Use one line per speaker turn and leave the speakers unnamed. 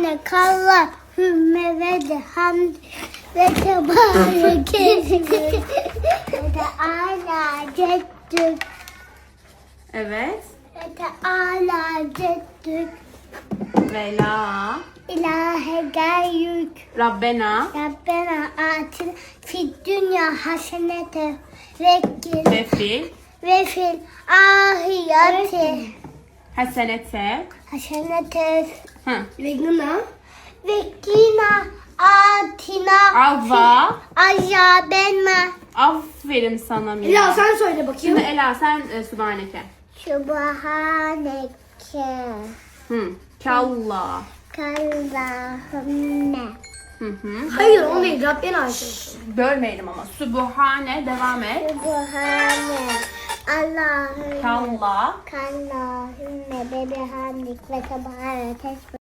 Sübhane kallah hümme ve de hamd ve tebareke ve de ala ceddük
Evet.
ve de ala ceddük
Ve la
ilahe gayrük
Rabbena
Rabbena atin fid dünya hasenete vekkil
ve fil
ve fil ahireti
hasenete.
hasenete
Hı.
ve kina atina
Avva.
azabena
Aferin sana Mira.
Ela sen söyle bakayım.
Şimdi Ela sen Sübhaneke.
Sübhaneke
Hı. Kalla.
kallahümme
Hı hı.
Hayır o değil. Rabbena ait.
Bölmeyelim ama. Sübhane devam et.
Sübhane Allahümme
Kalla.
kallahümme bebihamdik ve tebarek